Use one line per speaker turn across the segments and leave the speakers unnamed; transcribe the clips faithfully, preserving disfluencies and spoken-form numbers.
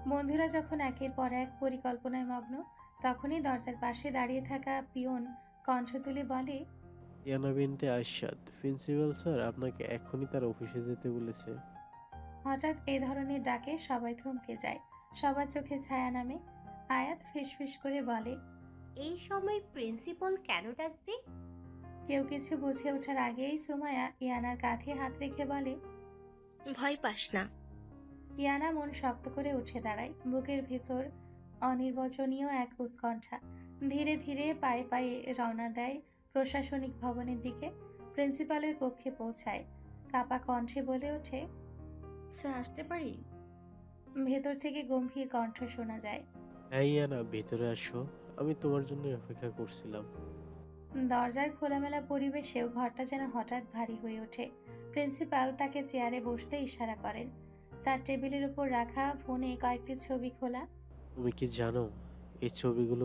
বন্ধুরা যখন একের পর এক পরিকল্পনায় মগ্ন, তখনই দরজার পাশে দাঁড়িয়ে থাকা পিয়ন কণ্ঠ তুলে বলে,
ইয়ানা বিনতে আরশাদ, প্রিন্সিপাল স্যার আপনাকে এখনই তার অফিসে যেতে বলেছে।
হঠাৎ এ ধরনের ডাকে সবাই থমকে যায়। সবার চোখে ছায়া নামে। আয়াত ফিসফিস করে বলে,
এই সময় প্রিন্সিপাল কেন ডাকবে?
কেউ কিছু বুঝে ওঠার আগেই সুমায়া ইয়ানার কাঁধে হাত রেখে বলে,
ভয় পাস না।
ইয়ানা মন শক্ত করে উঠে দাঁড়ায়। বুকের ভেতর অনির্বচনীয় এক উৎকণ্ঠা। ধীরে ধীরে পায়ে পায়ে রওনা দেয় প্রশাসনিক ভবনের দিকে। প্রিন্সিপালের কক্ষে পৌঁছায়। কাপা কণ্ঠে বলে ওঠে,
স্যার আসতে পারি?
ভেতর থেকে গম্ভীর কণ্ঠ শোনা যায়,
হ্যাঁ ইয়ানা, ভেতরে আসো, আমি তোমার জন্য অপেক্ষা করছিলাম।
দরজার খোলামেলা পরিবেশেও ঘরটা যেন হঠাৎ ভারী হয়ে ওঠে। প্রিন্সিপাল তাকে চেয়ারে বসতে ইশারা করেন। তার টেবিলের উপর রাখা ফোনে কয়েকটি ছবি খোলা।
তুমি কি জানো এই ছবিগুলো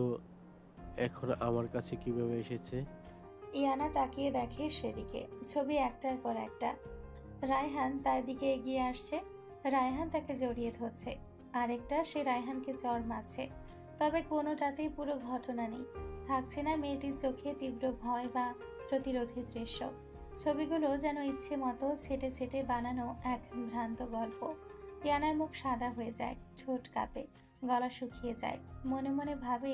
এখন আমার কাছে কিভাবে এসেছে?
ইয়ানা তাকিয়ে দেখে সেদিকে। ছবি একটার পর একটা। রায়হান তার দিকে এগিয়ে আসছে। রায়হান তাকে জড়িয়ে ধরছে। আরেকটা, সে রায়হানকে চড় মারছে। তবে কোনোটাতেই পুরো ঘটনা নেই। থাকছে না মেয়েটির চোখে তীব্র ভয় বা প্রতিরোধের দৃশ্য। ছবিগুলো যেন ইচ্ছে মতো ছেটে ছেটে বানানো এক ভ্রান্ত গল্প। ইয়ানার মুখ সাদা হয়ে যায়, ঠোঁট কাঁপে, গলা শুকিয়ে যায়। মনে মনে ভাবে,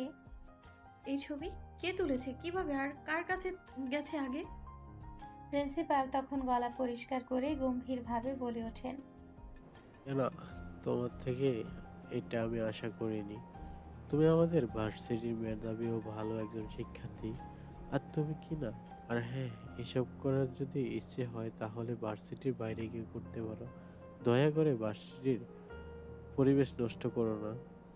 এই ছবি কে তুলেছে, কিভাবে, আর কার কাছে গেছে আগে?
প্রিন্সিপাল তখন গলা পরিষ্কার করে গম্ভীরভাবে বলে ওঠেন,
ইয়ানা, তোমার থেকে এটা আমি আশা করিনি। তুমি আমাদের ভার্সিটির মেধাবী ও ভালো একজন শিক্ষার্থী, আর তুমি কি না। আর হ্যাঁ, এসব করার যদি ইচ্ছে হয় তাহলে ভার্সিটির বাইরে গিয়ে করতে পারো। দয়া করে ভার্সিটির পরিবেশ নষ্ট করো না।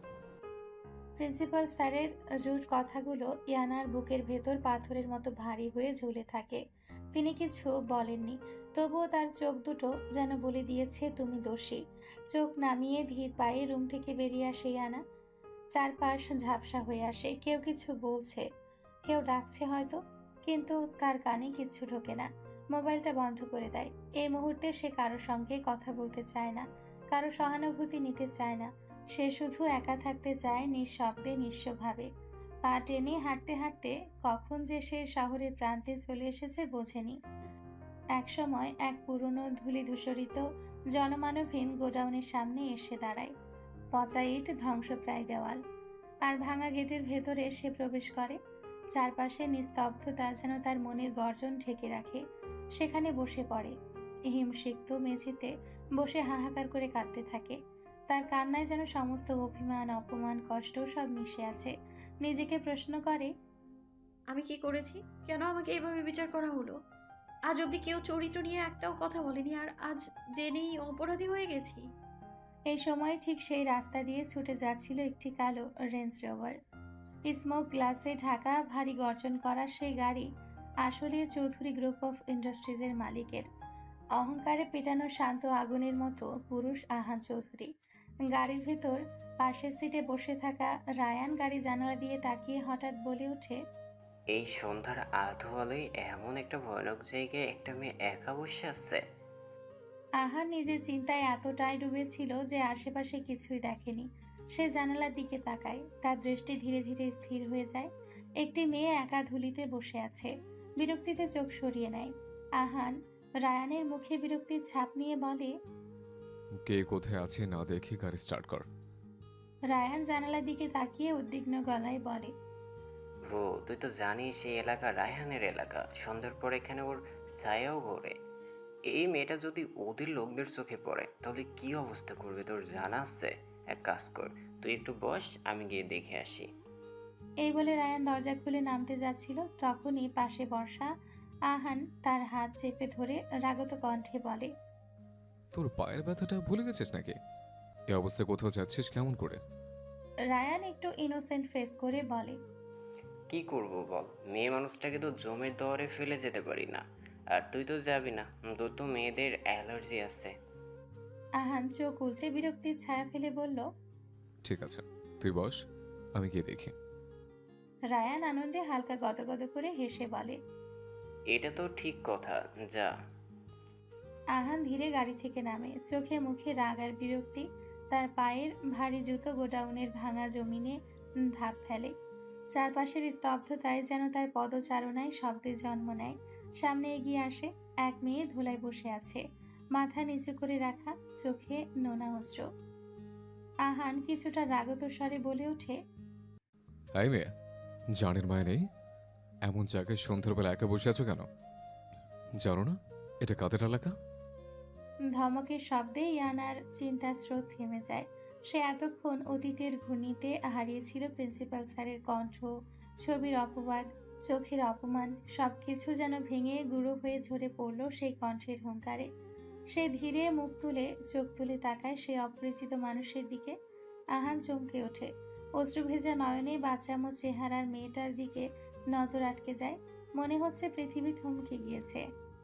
প্রিন্সিপাল স্যারের রুট কথাগুলো ইয়ানার বুকের ভেতর পাথরের মতো ভারী হয়ে ঝুলে থাকে। তিনি কিছু বলেননি, তবুও তার চোখ দুটো যেন বলে দিয়েছে, তুমি দোষী। চোখ নামিয়ে ধীর পায়ে রুম থেকে বেরিয়ে আসে ইয়ানা। চারপাশ ঝাপসা হয়ে আসে। কেউ কিছু বলছে, কেউ ডাকছে হয়তো, কিন্তু তার কানে কিছু ঢোকে না। মোবাইলটা বন্ধ করে দেয়। এই মুহূর্তে সে কারো সঙ্গে কথা বলতে চায় না, কারো সহানুভূতি নিতে চায় না। সে শুধু একা থাকতে চায়, নিঃশব্দে, নিঃস্বভাবে। পা টেনে হাঁটতে হাঁটতে কখন যে সে শহরের প্রান্তে চলে এসেছে বোঝেনি। একসময় এক পুরনো ধূলিধূসরিত জনমানবহীন গোডাউনের সামনে এসে দাঁড়ায়। পচা ইট, ধ্বংসপ্রায় দেওয়াল আর ভাঙা গেটের ভেতরে সে প্রবেশ করে। চারপাশে নিস্তব্ধতা যেন তার মনের গর্জন ঢেকে রাখে। সেখানে বসে পড়ে। হিমসিক্ত মেঝেতে বসে হাহাকার করে কাঁদতে থাকে। তার কান্নায় যেন সমস্ত অভিমান, অপমান, কষ্ট সব মিশে আছে। নিজেকে প্রশ্ন করে,
আমি কি করেছি? কেন আমাকে এভাবে বিচার করা হলো? আজ অব্দি কেউ চরিত্র নিয়ে একটাও কথা বলেনি, আর আজ জেনেই অপরাধী হয়ে গেছি।
এই সময় ঠিক সেই রাস্তা দিয়ে ছুটে যাচ্ছিল একটি কালো রেঞ্জ রোভার। স্মোক গ্লাসে ঢাকা, ভারী গর্জন করা সেই গাড়ি আসলে চৌধুরী গ্রুপ অফ ইন্ডাস্ট্রিজের মালিকের। অহংকারে পেটানো শান্ত আগুনের মতো পুরুষ আহান চৌধুরী। গাড়ির ভেতর পাশের সিটে বসে থাকা রায়ান গাড়ি জানালা দিয়ে তাকিয়ে হঠাৎ বলে ওঠে,
এই সন্ধ্যার আধো আলোয় এমন একটা ভয়ানক জায়গায় একটা মেয়ে একা বসে আছে।
আহান নিজের চিন্তায় এতটাই ডুবেছিল যে আশেপাশে কিছুই দেখেনি। সে জানালার দিকে তাকায়। তার দৃষ্টি ধীরে ধীরে স্থির হয়ে যায়। একটি মেয়ে একা ধুলিতে বসে আছে। বিরক্তিতে চোখ সরিয়ে নেয়। আহান রায়ানের মুখে বিরক্তির ছাপ নিয়ে বলে,
কে কোথায় আছে না দেখে গাড়ি স্টার্ট কর।
রায়ান জানালার দিকে তাকিয়ে উদ্বিগ্ন গলায় বলে,
ব্রো, তুই তো জানিস এই এলাকা রায়হানের এলাকা। সন্ধ্যার পর এখানে ওর ছায়াও ঘোরে। এই মেয়েটা যদি ওদের লোকদের চোখে পড়ে তাহলে কি অবস্থা করবে তোর জানা আছে? এক কাজ কর, তুই একটু বস, আমি গিয়ে দেখে আসি।
এই বলে রায়ান দরজা খুলে নামতে যাচ্ছিল, তখনই পাশে বসা আহান তার হাত চেপে ধরে রাগত কণ্ঠে বলে,
তোর পায়ের ব্যথাটা ভুলে গেছিস নাকি? এ অবস্থায় কোথাও যাচ্ছিস কেমন করে?
রায়ান একটু ইনোসেন্ট ফেস করে বলে,
কি করব বল, মেয়ে মানুষটাকে তো জমের দরে ফেলে যেতে পারি না। আর তুই তো যাবি না, তোর তো মেয়েদের অ্যালার্জি আছে।
আহান চোখ উল্টে বিরক্তির ছায়া ফেলে বলল,
ঠিক আছে, তুই বস, আমি গিয়ে দেখি।
রায়ান আনন্দে হালকা গদগদ করে হেসে বলে,
এটা তো ঠিক কথা, যা।
আহান ধীরে গাড়ি থেকে নামে। চোখে মুখে রাগ আর বিরক্তি। তার পায়ের ভারী জুতো গোডাউনের ভাঙা জমিনে ধাপ ফেলে। চারপাশের স্তব্ধতায় যেন তার পদচারণায় শব্দের জন্ম নেয়। সামনে এগিয়ে আসে এক মেয়ে ধুলায় বসে আছে, মাথা নিচু করে রাখা, চোখে নোনা অশ্র। আহান কিছুটা রাগত স্বরে বলে ওঠে,
এই মেয়ে, জানের মায় নেই, এমন জায়গায় সন্ধ্যাবেলা একা বসে আছো কেন? জানো না এটা কাদের এলাকা?
ধমকের শব্দে ইয়ানার চিন্তার স্রোত থেমে যায়। সে এতক্ষণ অতীতের ঘূর্ণিতে হারিয়েছিল প্রিন্সিপাল স্যারের কণ্ঠ, ছবির অপবাদ, চোখের অপমান, সবকিছু যেন ভেঙে গুঁড়ো হয়ে ঝরে পড়ল সেই কণ্ঠের হুঙ্কারে। সে ধীরে মুখ তুলে চোখ তুলে তাকায় সেই অপরিচিত মানুষের দিকে। আহান চমকে ওঠে। অশ্রুভেজা নয়নে বাচ্চামো চেহারার মেয়েটার দিকে নজর আটকে যায়। মনে হচ্ছে পৃথিবী থমকে গিয়েছে।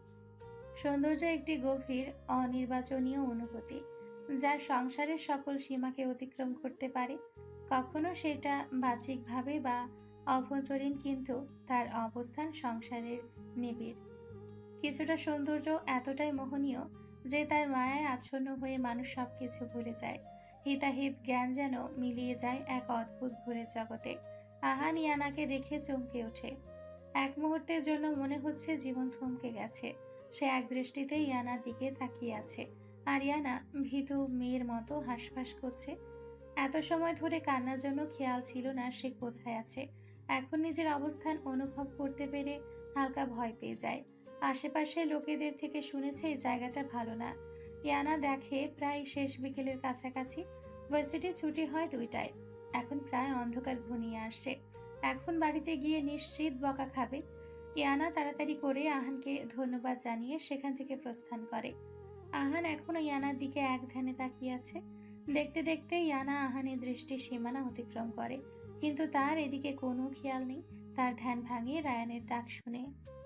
সৌন্দর্য একটি গভীর অনির্বাচনীয় অনুভূতি, যার সংসারের সকল সীমাকে অতিক্রম করতে পারে। কখনো সেটা বাহ্যিকভাবে বা অভ্যন্তরীণ, কিন্তু তার অবস্থান সংসারের নিবিড়। কিছুটা সৌন্দর্য এতটাই মোহনীয় যে তার মায়ায় আচ্ছন্ন হয়ে মানুষ সবকিছু ভুলে যায়। হিতাহিত জ্ঞান যেন মিলিয়ে যায় এক অদ্ভুত ভুলের জগতে। আহান ইয়ানাকে দেখে চমকে ওঠে। এক মুহূর্তের জন্য মনে হচ্ছে জীবন থমকে গেছে। সে এক দৃষ্টিতে ইয়ানার দিকে তাকিয়ে আছে, আর ইয়ানা ভীতু মেয়ের মতো হাঁসফাঁস করছে। এত সময় ধরে কান্নার জন্য খেয়াল ছিল না সে কোথায় আছে। এখন নিজের অবস্থান অনুভব করতে পেরে হালকা ভয় পেয়ে যায়। আশেপাশে লোকেদের থেকে শুনেছে এই জায়গাটা ভালো না। ইয়ানা দেখে প্রায় শেষ বিকেলের কাছাকাছি। ভার্সিটি ছুটি হয় দুইটায়। এখন প্রায় অন্ধকার ঘনিয়ে আসছে। এখন বাড়িতে গিয়ে নিশ্চিত বকা খাবে। ইয়ানা তাড়াতাড়ি করে আহানকে ধন্যবাদ জানিয়ে সেখান থেকে প্রস্থান করে। আহান এখনো ইয়ানার দিকে এক ধ্যানে তাকিয়ে আছে। দেখতে দেখতে ইয়ানা আহানের দৃষ্টির সীমানা অতিক্রম করে, কিন্তু তার এদিকে কোনো খেয়াল নেই। তার ধ্যান ভাঙিয়ে রায়ানের ডাক শুনে।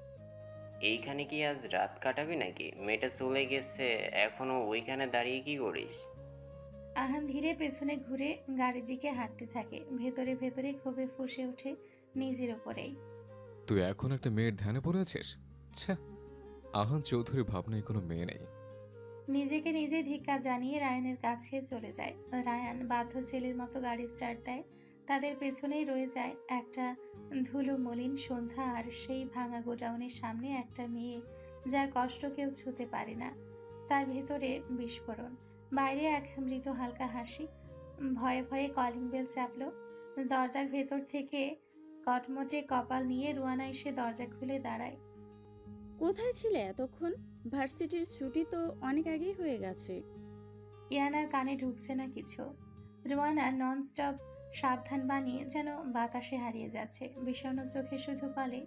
এইখানে কি আজ রাত কাটাবি নাকি? মেয়েটা চলে গেছে, এখনো ওইখানে দাঁড়িয়ে কি করিস?
আহান ধীরে পেছনে ঘুরে গাড়ির দিকে হাঁটতে থাকে। ভেতরে ভেতরে ক্ষোভে ফুঁসে ওঠে নিজের ওপরেই।
তুই এখন একটা মেয়ের ধ্যানে পড়ে আছিস? ছ্যা, আহান চৌধুরী ভাবনায় কোনো মেয়ে নেই।
নিজেকে নিজে ধিক্কার জানিয়ে রায়ানের কাছে চলে যায়। রায়ান বাধ্য ছেলের মতো গাড়ি স্টার্ট দেয়। তাদের পেছনেই রয়ে যায় একটা ধুলো মলিন সন্ধ্যা, আর সেই ভাঙা গোডাউনের সামনে একটা মেয়ে যার কষ্ট কেউ ছুতে পারে না। তার ভেতরে বিস্ফোরণ, বাইরে এক মৃত হালকা হাসি। ভয়ে ভয়ে কলিং বেল চাপল। দরজার ভেতর থেকে কটমটে কপাল নিয়ে রুয়ানা এসে দরজা খুলে দাঁড়ায়।
কোথায় ছিলে এতক্ষণ? ভার্সিটির ছুটি তো অনেক আগেই হয়ে গেছে।
ইয়ানার কানে ঢুকছে না কিছু। রুয়ানা ননস্টপ সাবধান বানিয়ে যেন বাতাসে হারিয়ে যাচ্ছে। বিষণ্ণ চোখে শুধু বলে,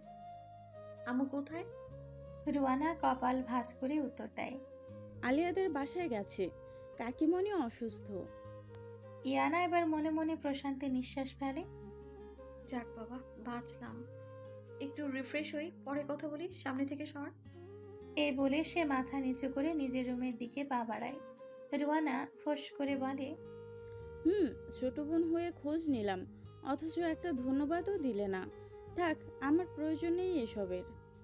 আমু কোথায়?
রুয়ানা কপাল ভাঁজ করে উত্তর দেয়,
আলিয়াদের বাসায় গেছে, কাকিমণি অসুস্থ।
ইয়ানা এবার মনে মনে প্রশান্তি নিঃশ্বাস ফেলে।
যাক বাবা, বাঁচলাম। একটু রিফ্রেশ হই, পরে কথা বলি, সামনে থেকে সর।
এই বলে সে মাথা নিচু করে নিজের রুমের দিকে পা বাড়ায়। রুয়ানা ফোঁস করে বলে,
হুম, ছোট বোন হয়ে খোঁজ নিলাম, অথচ একটা ধন্যবাদও দিলে না। থাক, আমার প্রয়োজন নেই এসবের।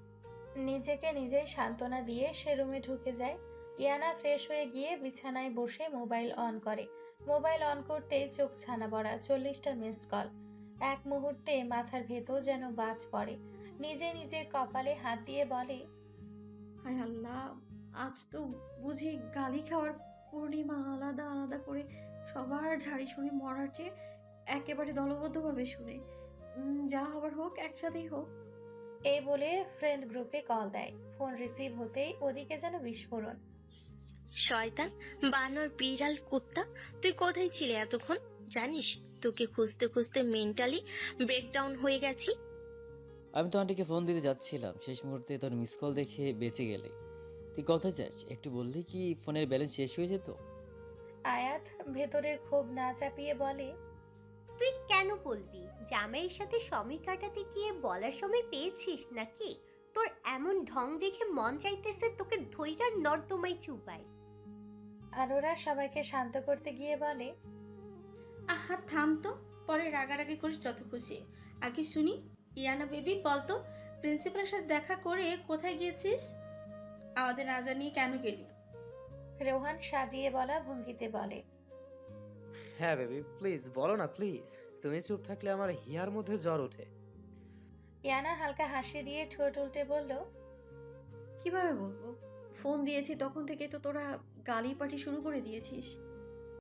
নিজেকে নিজেই সান্ত্বনা দিয়ে সে রুমে ঢুকে যায়। ইয়ানা ফ্রেশ হয়ে গিয়ে বিছানায় বসে মোবাইল অন করে। মোবাইল অন করতেই চোখ ছানা বড়া, চল্লিশটা মিসড কল। এক মুহূর্তে মাথার ভেতর যেন বাজ পড়ে। নিজে নিজের কপালে হাত দিয়ে বলে,
হায় আল্লাহ, আজ তো বুঝি গালি খাওয়ার পূর্ণিমা। আলাদা আলাদা করে সবার ঝাড়ি শুনে মরার চেয়ে একেবারে দলবদ্ধভাবে শুনে উম, যা হবার হোক, একসাথেই হোক।
এই বলে ফ্রেন্ড গ্রুপে কল দেয়। ফোন রিসিভ হতেই ওদিকে যেন বিস্ফোরণ।
শয়তান, বানর, বিড়াল, কুত্তা, তুই কোথায় ছিলে এতক্ষণ? জানিস তোকে খুঁজতে খুঁজতে মেন্টালি ব্রেকডাউন হয়ে গেছি।
আমি তো আন্টিকে ফোন দিতে যাচ্ছিলাম, শেষ মুহূর্তে তোর মিস কল দেখে বেঁচে গেলে। তুই কোথায় যাস একটু বললি কি ফোনের ব্যালেন্স শেষ হয়ে যেত?
আয়াত ভেতরের ক্ষোভ না চাপিয়ে বলে,
তুই কেন বলবি? জামাইয়ের সাথে সময় কাটাতে গিয়ে বলার সময় পেয়েছিস নাকি? তোর এমন ঢং দেখে মন চাইতেছে তোকে ধৈর্যার নর্দমায় চুপাই।
আর ওরা সবাইকে শান্ত করতে গিয়ে বলে,
আহা থাম তো, পরে রাগারাগি করিস যত খুশি। আগে শুনি, ইয়ানা বেবি বলতো, প্রিন্সিপালের সাথে দেখা করে কোথায় গিয়েছিস? আমাদের না জানিয়ে কেন গেলি?
রোহান সাজিয়ে বলা ভঙ্গিতে বলে,
হ্যাঁ বেবি, প্লিজ বলো না প্লিজ। তুমি চুপ থাকলে আমার হিয়ার মধ্যে জ্বর ওঠে।
ইয়ানা হালকা হাসি দিয়ে ঠোঁট উল্টে বলল,
কিভাবে বলবো? ফোন দিয়েছি তখন থেকে তো তোরা গালি পাটি শুরু করে দিয়েছিস।